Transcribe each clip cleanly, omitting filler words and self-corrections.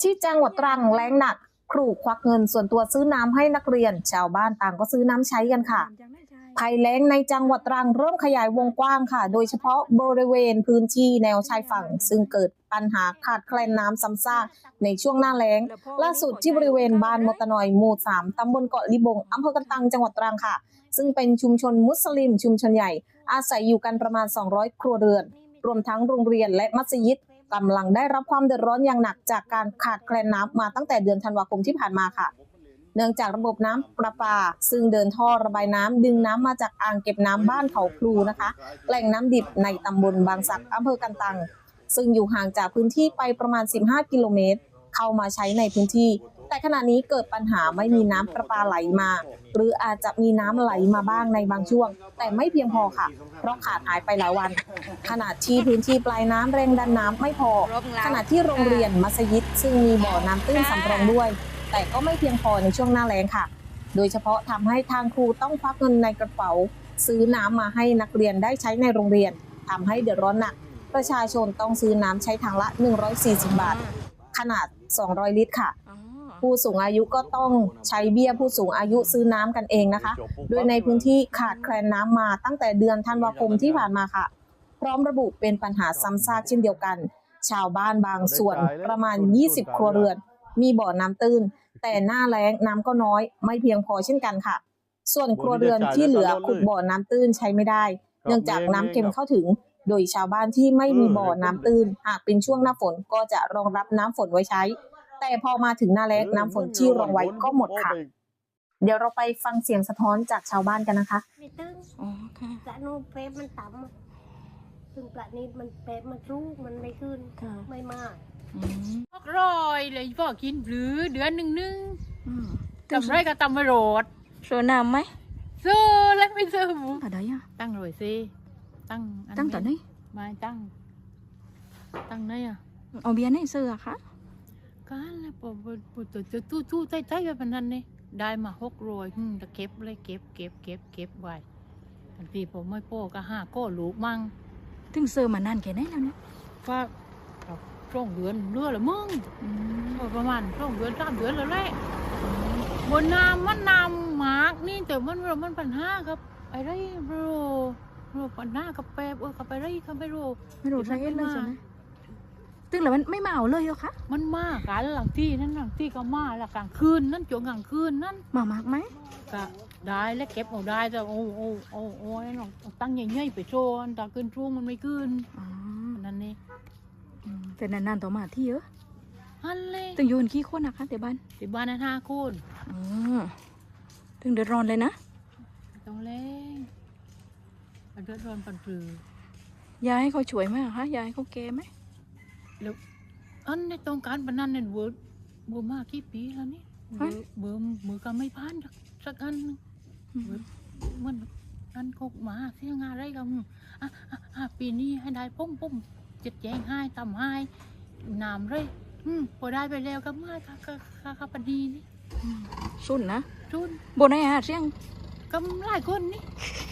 ที่จังหวัดตรังแล้งหนักครูควักเงินส่วนตัวซื้อน้ำให้นักเรียนชาวบ้านต่างก็ซื้อน้ำใช้กันค่ะภัยแล้งในจังหวัดตรังเริ่มขยายวงกว้างค่ะโดยเฉพาะบริเวณพื้นที่แนวชายฝั่งซึ่งเกิดปัญหาขาดแคลนน้ำซ้ำซากในช่วงหน้าแล้งล่าสุดที่บริเวณบ้านมตนอยหมู่3ตำบลเกาะลิบงอำเภอกันตังจังหวัดตรังค่ะซึ่งเป็นชุมชนมุสลิมชุมชนใหญ่อาศัยอยู่กันประมาณ200ครัวเรือนรวมทั้งโรงเรียนและมัสยิดกำลังได้รับความเดือดร้อนอย่างหนักจากการขาดแคลนน้ำมาตั้งแต่เดือนธันวาคมที่ผ่านมาค่ะเนื่องจากระบบน้ำประปาซึ่งเดินท่อระบายน้ำดึงน้ำมาจากอ่างเก็บน้ำบ้านเขาพลูนะคะแหล่งน้ำดิบในตำบลบางสักอำเภอกันตังซึ่งอยู่ห่างจากพื้นที่ไปประมาณ15กิโลเมตรเข้ามาใช้ในพื้นที่แต่ขณะนี้เกิดปัญหาไม่มีน้ำประปาไหลมาหรืออาจจะมีน้ำไหลมาบ้างในบางช่วงแต่ไม่เพียงพอค่ะเพราะขาดหายไปหลายวันขณะที่พื้นที่ปลายน้ำแรงดันน้ำไม่พอขณะที่โรงเรียนมัสยิดซึ่งมีบ่อน้ำตื้นสำรองด้วยแต่ก็ไม่เพียงพอในช่วงหน้าแล้งค่ะโดยเฉพาะทำให้ทางครูต้องควักเงินในกระเป๋าซื้อน้ำมาให้นักเรียนได้ใช้ในโรงเรียนทำให้เดือดร้อนหนักประชาชนต้องซื้อน้ำใช้ถังละ140บาทขนาด200ลิตรค่ะผู้สูงอายุก็ต้องใช้เบี้ยผู้สูงอายุซื้อน้ำกันเองนะคะโดยในพื้นที่ขาดแคลนน้ำมาตั้งแต่เดือนธันวาคมที่ผ่านมาค่ะพร้อมระบุเป็นปัญหาซ้ำซากเช่นเดียวกันชาวบ้านบางส่วนประมาณ20ครัวเรือนมีบ่อน้ำตื้นแต่หน้าแล้งน้ำก็น้อยไม่เพียงพอเช่นกันค่ะส่วนครัวเรือนที่เหลือขุดบ่อน้ำตื้นใช้ไม่ได้เนื่องจากน้ำเค็มเข้าถึงโดยชาวบ้านที่ไม่มีบ่อน้ำตื้นหากเป็นช่วงหน้าฝนก็จะรองรับน้ำฝนไว้ใช้แต่พอมาถึงหน้าแล้งน้ำฝนที่รองไว้ก็หมดค่ะเดี๋ยวเราไปฟังเสียงสะท้อนจากชาวบ้านกันนะคะไม่ตึงอ๋อค่ะปลาโน้เป๊มันต่ำซึ่งปลานี้มันเป๊มันรู้มันไม่ขึ้นไม่มากร้อยเลยพ่อกินหรือเดือนหนึ่งทำไรก็ทำไม่โรดเสือน้ำไหมเสื้อแล้วไม่เสื้อหมูอะไรอ่ะตั้งรอยสิตั้งตอนนี้ไม่ตั้งไหนอ่ะเอาเบียร์ในเสือค่ะกันแล้วปวดตู้ใจแบบนั้นนี่ได้มา600จะเก็บเลยเก็บไว้ทันทีผมไม่โป้ก็5ก็ลูกมั่งถึงเสือมานานแค่ไหนแล้วเนี่ยว่าช่วงเดือนเรือละมึงประมาณช่วงเดือน3 เดือนแล้วแหละบนน้ำมันน้ำหมากนี่แต่มันปัญหาครับไอ้ไรโรปัญหากับแปบกับไปไรกับไปไม่รู้ใช่เลยใช่ไหมตึงแล้วมันไม่มาเอาเลยเหรอคะมันมากันหลังที่ก็มาละกลางคืนนั่นจนกลางคืนนั่นมากไหมก็ได้และเก็บเอาได้แต่โอ้ยน้องตั้งใหญ่ๆไปโชว์แต่ขึ้นช่วงมันไม่ขึ้นนั่นนี่แต่นานๆต่อมาที่เยอะฮันเลยตึงอยู่กันกี่คนนะคะแต่บ้านนั้น5 คนตึงเดือดร้อนเลยนะต้องเล่นเดือดร้อนปันปลืยายให้เขาช่วยไหมคะยายให้เขาแก้ไหมแล้วอันในตรงการพนันเนี่ยเบอร์มากกี่ปีแล้วนี่เบอร์ก็ไม่ผ่านสักอันมันอันกหมาเสียงอะไรกันปีนี้ให้ได้ปุ้มจัดแจงให้ทำให้น้ำเลยพอได้ไปแล้วก็มาค่ะปดีนี่ชุนนะชุนบนไหนเสียงก็หลายคนนี่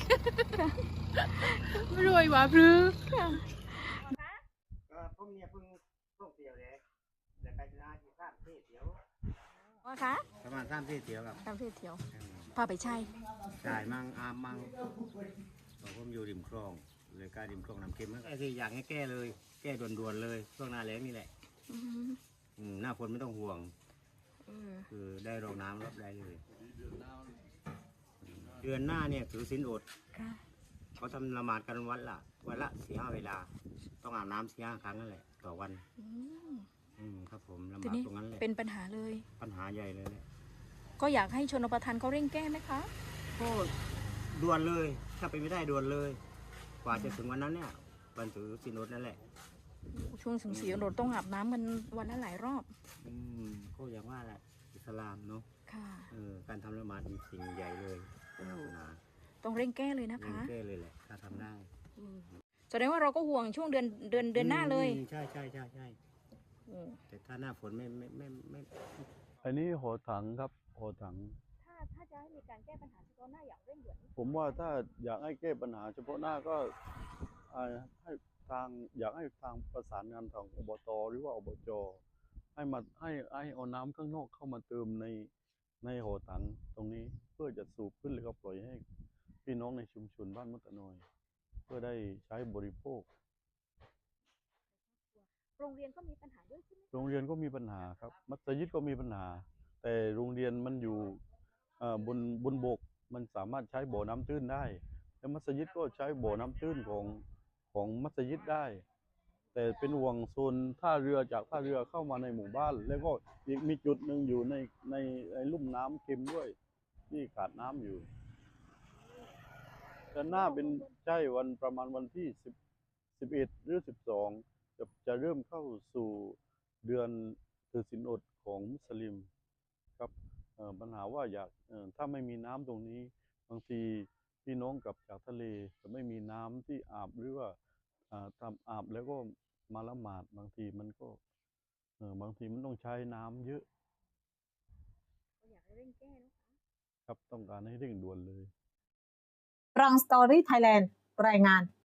ไม่รวยหว่าพรือผมเนี่ยเพิ่งท่องเที่ยวเลยแต่ไปร้านที่3 ที่เที่ยวว่าคะประมาณ3 ที่เที่ยวครับ 3 ที่เที่ยวพาไปใช่มั่งอามมั่งผมอยู่ริมคลองเลยการริมคลองน้ำเค็มไอ้ที่อยากให้แก้เลยแก้ด่วนๆเลยช่วงหน้าแล้งนี่แหละหน้าฝนไม่ต้องห่วงคือได้รองน้ำรับได้เลยเดือนหน้าเนี่ยถือศีลอดเขาทำละหมาดกันวันละ4-5 เวลาต้องอาบน้ำ4-5 ครั้งนั่นแหละต่อวันครับผมละหมาดตรงนั้นแหละเป็นปัญหาเลยปัญหาใหญ่เลยแหละก็อยากให้ชนประทานเขาเร่งแก้ไหมคะก็ด่วนเลยถ้าไปไม่ได้ด่วนเลยกว่าจะถึงวันนั้นเนี่ยวันถือศีลอดนั่นแหละช่วงถึงศีลอดต้องอาบน้ำกันวันละหลายรอบก็อย่างว่าแหละอิสลามเนาะการทำละหมาดเป็นสิ่งใหญ่เลยต้องเร่งแก้เลยนะคะแก้เลยแหละถ้าทำได้แสดงว่าเราก็ห่วงช่วงเดือนหน้าเลยใช่แต่ถ้าหน้าฝนไม่อันนี้หอถังครับหอถังถ้าจะให้มีการแก้ปัญหาเฉพาะหน้าอย่างเร่งด่วนผมว่าถ้าอยากให้แก้ปัญหาเฉพาะหน้าก็ให้อยากให้ทางประสานงานทางอบตหรือว่าอบจให้เอาน้ำข้างนอกเข้ามาเติมในหอถังตรงนี้เพื่อจะสูบขึ้นแล้วก็ปล่อยให้พี่น้องในชุมชนบ้านมะตะนอย เพื่อได้ใช้บริโภคโรงเรียนก็มีปัญหาด้วยใช่ไหมโรงเรียนก็มีปัญหาครับมัสยิดก็มีปัญหา แต่โรงเรียนมันอยู่บนบกมันสามารถใช้บ่อน้ำตื้นได้และมัสยิดก็ใช้บ่อน้ำตื้นของมัสยิดได้ แต่เป็นห่วงโซนท่าเรือจากท่าเรือเข้ามาในหมู่บ้าน แล้วก็อีกมีจุดหนึ่งอยู่ในลุ่มน้ำเค็มด้วยที่ขาดน้ำอยู่แต่หน้าเป็นใช่ประมาณวันที่11 หรือ 12จะเริ่มเข้าสู่เดือนถือศีลอดของมุสลิมครับปัญหาว่าถ้าไม่มีน้ำตรงนี้บางทีพี่น้องกลับจากทะเลจะไม่มีน้ำที่อาบหรือว่าทำอาบแล้วก็มาละหมาดบางทีมันต้องใช้น้ำเยอะอยากให้เร่งแก้เนอะครับต้องการให้เร่งด่วนเลยรังสตอรี่ไทยแลนด์รายงาน